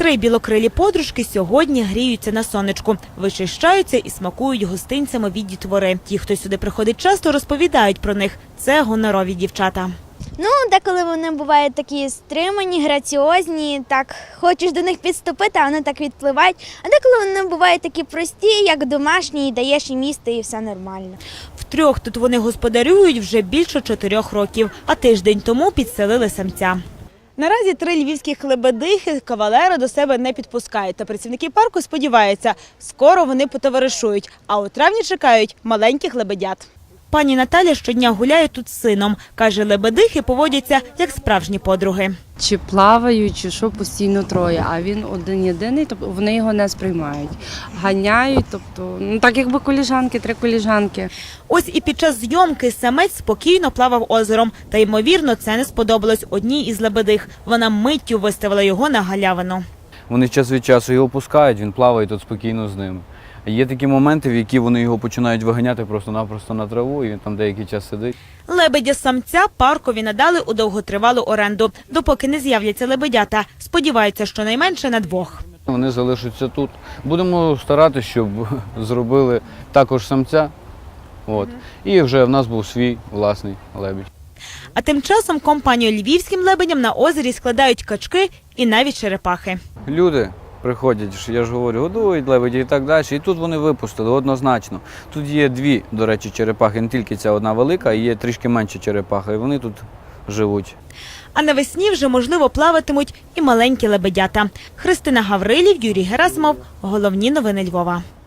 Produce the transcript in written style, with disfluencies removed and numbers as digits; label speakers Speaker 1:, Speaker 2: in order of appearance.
Speaker 1: 3 білокрилі подружки сьогодні гріються на сонечку, вичищаються і смакують гостинцями від дітвори. Ті, хто сюди приходить часто, розповідають про них. Це гонорові дівчата.
Speaker 2: Деколи вони бувають такі стримані, граціозні, так хочеш до них підступити, а вони так відпливають. А деколи вони бувають такі прості, як домашні, і даєш їм їсти, і все нормально.
Speaker 1: Втрьох тут вони господарюють вже більше 4 років, а тиждень тому підселили самця. Наразі 3 львівських лебедихи кавалера до себе не підпускають. Та працівники парку сподіваються, скоро вони потоваришують, а у травні чекають маленьких лебедят. Пані Наталя щодня гуляє тут з сином. Каже, лебедихи поводяться як справжні подруги.
Speaker 3: Чи плавають, чи що, постійно троє, а він один-єдиний, тобто вони його не сприймають. Ганяють, тобто, так якби коліжанки, 3 коліжанки.
Speaker 1: Ось і під час зйомки самець спокійно плавав озером. Та, ймовірно, це не сподобалось одній із лебедих. Вона миттю виставила його на галявину.
Speaker 4: Вони час від часу його пускають, він плаває тут спокійно з ними. Є такі моменти, в які вони його починають виганяти просто-напросто на траву, і він там деякий час сидить.
Speaker 1: Лебедя-самця паркові надали у довготривалу оренду, допоки не з'являться лебедята. Сподіваються, що найменше на 2.
Speaker 4: Вони залишаться тут. Будемо старатися, щоб зробили також самця. І вже в нас був свій власний лебідь.
Speaker 1: А тим часом компанію львівським лебедям на озері складають качки і навіть черепахи.
Speaker 4: Люди приходять, я ж говорю, годують лебеді і так далі. І тут вони випустили однозначно. Тут є 2, до речі, черепахи, не тільки ця одна велика, а є трішки менша черепаха, і вони тут живуть.
Speaker 1: А навесні вже, можливо, плаватимуть і маленькі лебедята. Христина Гаврилів, Юрій Герасимов. Головні новини Львова.